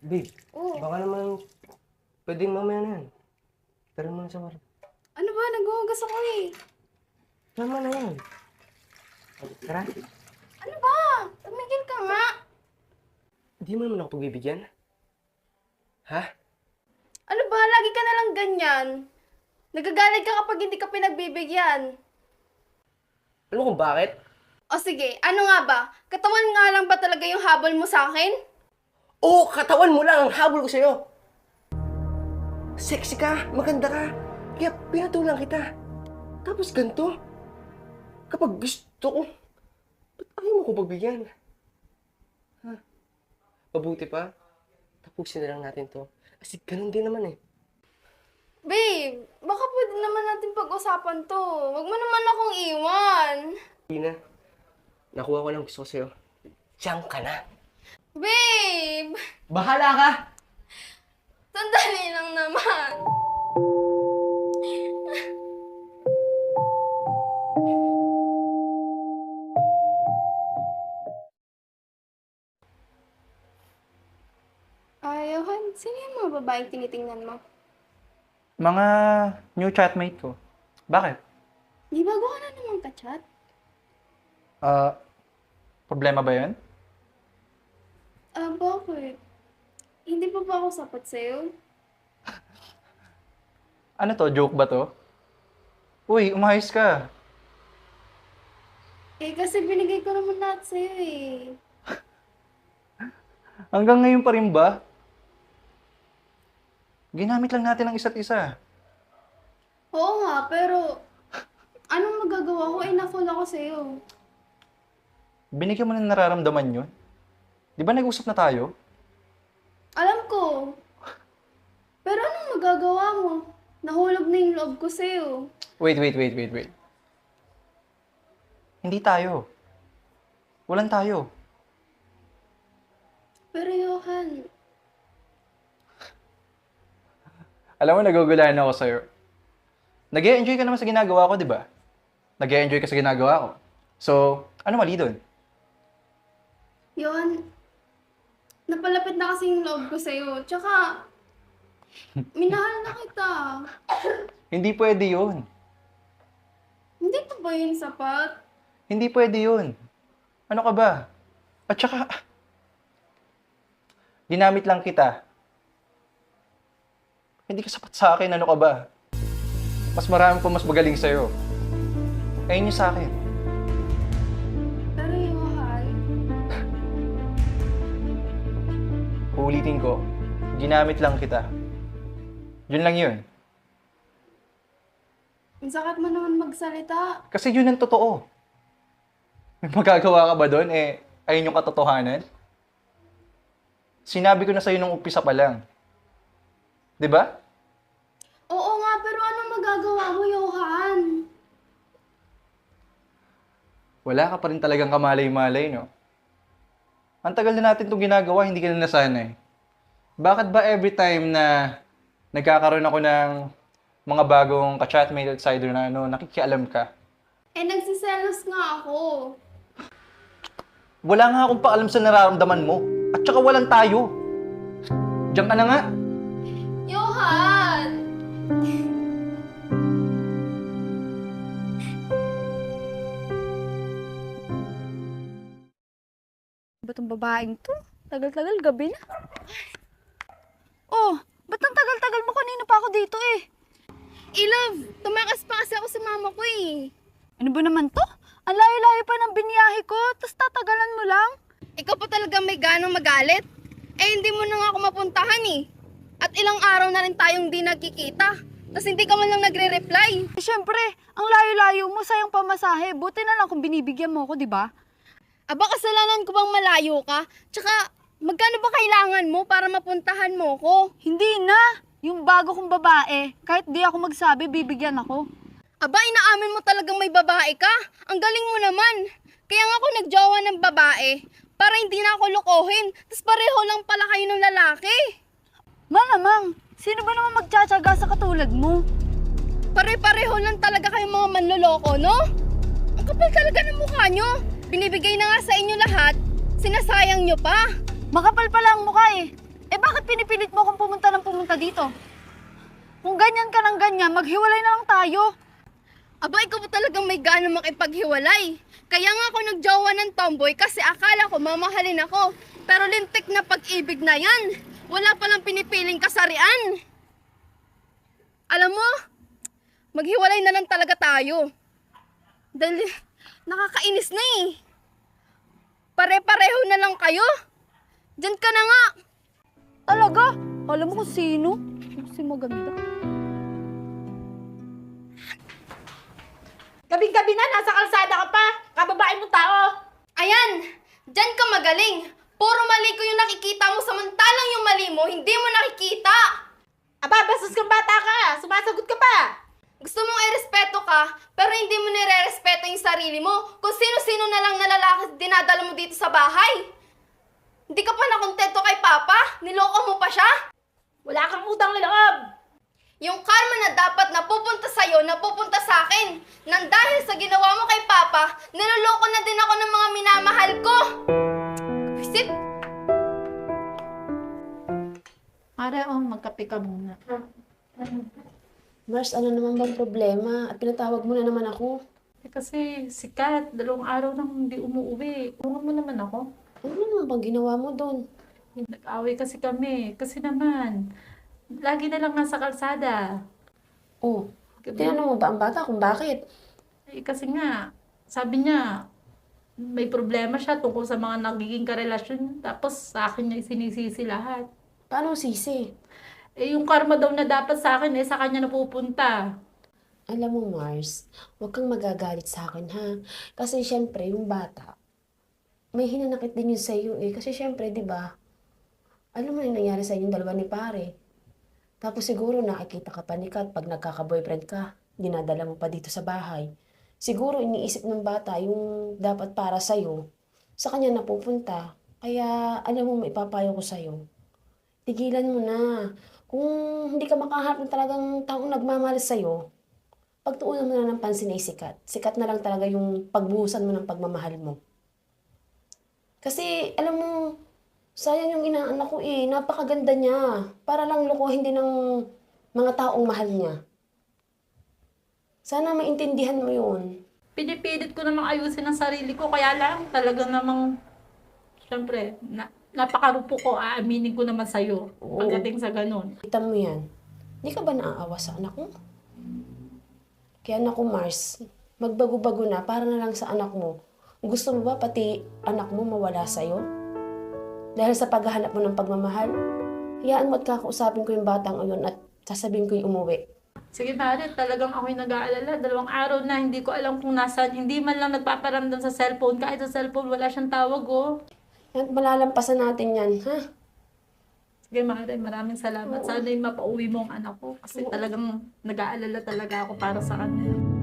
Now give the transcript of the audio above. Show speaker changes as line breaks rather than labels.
Babe,
Oh,
baka naman pwedeng mamaya na yan. Tara muna sa kwarto.
ano ba? Naghuhugas ako eh.
Tama na yan. Tara.
Ano ba? Tumigil ka nga.
Hindi mo naman ako pagbibigyan. Ha?
Ano ba? Lagi ka na lang ganyan. Nagagalit ka kapag hindi ka pinagbibigyan.
Alam mo kung bakit?
O sige, ano nga ba? Katawan nga lang ba talaga yung habol mo sa akin?
Oo, katawan mo lang ang habol ko sa'yo. Sexy ka, maganda ka. Kaya pinatulang kita. Tapos ganito. Kapag gusto ko, ba't ayaw mo ko pagbigyan? Ha? Mabuti pa, tapusin na lang natin to. Kasi ganun din naman eh.
Babe, baka pwede naman natin pag-usapan to. Huwag mo naman akong iwan.
Tina, nakuha ko lang gusto ko sa'yo. Diyan ka na.
Babe!
Bahala ka!
Sandali lang naman. Johan, sino yung mga babaeng tinitingnan mo?
Mga new chatmate ko. Bakit?
Di bago ka na naman ka-chat?
Problema ba yun?
Bakit? Hindi pa ba ako sapat sa'yo?
Ano to? Joke ba to? Uy, umayos ka.
Kasi binigay ko naman lahat sa'yo
Hanggang ngayon pa rin ba? Ginamit lang natin ang isa't isa.
Oo nga, pero anong magagawa ko? Na-fall ako sa'yo.
Binigyan mo na nararamdaman yun. Di ba nag-usap na tayo?
Alam ko. Pero anong magagawa mo? Nahulog na yung loob ko sa'yo.
Wait. Hindi tayo. Walang tayo.
Pero Johan,
Alam mo, nagugulahan ako sa'yo. Nag-e-enjoy ka naman sa ginagawa ko, di ba? Nag-e-enjoy ka sa ginagawa ko. So, ano mali doon?
Johan, napalapit na kasi yung loob ko sa'yo. Tsaka, minahal na kita.
Hindi pwede yun.
Hindi pa ba yun sapat?
Hindi pwede yun. Ano ka ba? At saka, ginamit lang kita. Hindi ka sapat sa akin, ano ka ba? Mas marami pa mas magaling sa'yo. Ayun yung sa akin.
Pero Johan,
Uulitin ko, ginamit lang kita. Yun lang yun.
ang sakit mo naman magsalita.
Kasi yun ang totoo. May magagawa ka ba doon? Ayun yung katotohanan? Sinabi ko na sa'yo nung umpisa pa lang. 'Di ba?
Oo nga, pero anong magagawa mo, Johan?
Wala ka pa rin talagang kamalay-malay, no? Ang tagal na natin itong ginagawa, hindi ka na nasanay. Bakit ba every time na nagkakaroon ako ng mga bagong ka-chatmate outsider na nakikialam ka?
Nagsiselos nga ako.
Wala nga akong paalam sa nararamdaman mo. At saka walang tayo. Diyan ka na nga.
Johan!
Ba't ang babaeng to? Tagal-tagal, gabi na. Oh, ba't ang tagal-tagal mo? Kanina pa ako dito eh.
Love, tumakas pa kasi ako sa mama ko eh.
Ano ba naman to? Ang layo-layo pa ng biniyahe ko, tapos tatagalan mo lang.
Ikaw pa talaga may ganong magalit? Hindi mo na nga ako mapuntahan eh. At ilang araw na rin tayong di nagkikita. Tapos hindi ka man lang nagre-reply.
Siyempre, ang layo-layo mo, sayang pamasahe. Buti na lang kung binibigyan mo ako, di ba?
Aba, kasalanan ko bang malayo ka? Tsaka, magkano ba kailangan mo para mapuntahan mo ko?
Hindi na. Yung bago kong babae, kahit di ako magsabi, bibigyan ako.
Aba, inaamin mo talagang may babae ka? Ang galing mo naman. Kaya nga ako nagjowa ng babae para hindi na ako lokohin. Tapos pareho lang pala kayo ng lalaki.
Malamang, sino ba naman magtsatsaga sa katulad mo?
Pare-pareho lang talaga kayong mga manloloko, no? Ang kapal talaga ng mukha nyo. Binibigay na nga sa inyo lahat, sinasayang nyo pa.
Makapal pala ang mukha eh. Eh bakit pinipilit mo akong pumunta ng pumunta dito? Kung ganyan ka ng ganyan, maghiwalay na lang tayo.
Aba, ikaw ba talagang may gana makipaghiwalay? Kaya nga ako nagjowa ng tomboy kasi akala ko mamahalin ako. Pero lintik na pag-ibig na yan. Wala palang pinipiling kasarian. Alam mo, maghiwalay na lang talaga tayo. Dahil nakakainis na eh. Pare-pareho na lang kayo. Diyan ka na nga.
Talaga? Alam mo kung sino? Si maganda.
Gabing-gabi na, nasa kalsada ka pa. Kababae mong tao.
Ayan, diyan ka magaling. Puro mali ko yung nakikita mo samantalang yung mali mo, hindi mo nakikita.
Aba, bastos kang bata ka. Sumasagot ka pa.
Gusto mong irespeto ka, pero hindi mo nire-respeto yung sarili mo. Kung sino-sino na lang na lalaki dinadala mo dito sa bahay. Hindi ka pa nakontento kay Papa? Niloko mo pa siya?
Wala kang utang na loob.
Yung karma na dapat napupunta sa'yo, napupunta sa akin. Nang dahil sa ginawa mo kay Papa, niloloko na din ako ng mga minamahal ko. Visit?
Mare, magkape ka muna.
Mars, ano naman bang problema? At pinatawag mo na naman ako.
Kasi si Kat, 2 araw nang hindi umuwi. Tulungan mo naman ako.
Ano naman bang ginawa mo doon?
Nag-away kasi kami. Kasi naman, lagi na lang nasa kalsada.
Oh, tinanong mo ba ang bata kung bakit?
Kasi nga, sabi niya, may problema siya tungkol sa mga nagiging karelasyon. Tapos sa akin niya sinisisi lahat.
Paano sisi?
Yung karma daw na dapat sa akin, sa kanya napupunta.
Alam mo, Mars, huwag kang magagalit sa akin, ha? Kasi syempre, yung bata, may hinanakit din yun sa'yo, eh. Kasi syempre, di ba, alam mo na yung nangyari sa inyong dalawa ni pare. Tapos siguro nakikita ka pa ni Kat pag nagkaka-boyfriend ka, dinadala mo pa dito sa bahay. Siguro iniisip ng bata yung dapat para sa'yo, sa kanya napupunta. Kaya, alam mo, maipapayo ko sa'yo. Tigilan mo na. Kung hindi ka makahanap ng talagang taong nagmamahal sa'yo, pagtuunan mo na ng pansin ay sikat. Sikat na lang talaga yung pagbuhusan mo ng pagmamahal mo. Kasi, alam mo, sayang yung inaanak ko eh. Napakaganda niya. Para lang lokohin din ng mga taong mahal niya. Sana maintindihan mo yun.
Pinipilit ko namang ayusin ang sarili ko, kaya lang talaga namang, syempre, napakarupo ko, aaminin ko naman sa'yo pagdating sa ganun.
Kita mo yan. Hindi ka ba naaawa sa anak mo? Kaya anak ko, Mars, magbago-bago na para na lang sa anak mo. Gusto mo ba pati anak mo mawala sa'yo? Dahil sa paghahanap mo ng pagmamahal, hayaan mo at kakausapin ko yung batang yun at sasabihin ko yung umuwi.
Sige, Mare, talagang ako'y nag-aalala. 2 araw na, hindi ko alam kung nasaan. Hindi man lang nagpaparamdam sa cellphone. Kahit sa cellphone, wala siyang tawag, oh.
Yan, malalampasan natin yan, ha?
Sige, Mare, maraming salamat. Sana yung mapauwi mo ang anak ko. Kasi talagang nag-aalala talaga ako para sa kanya.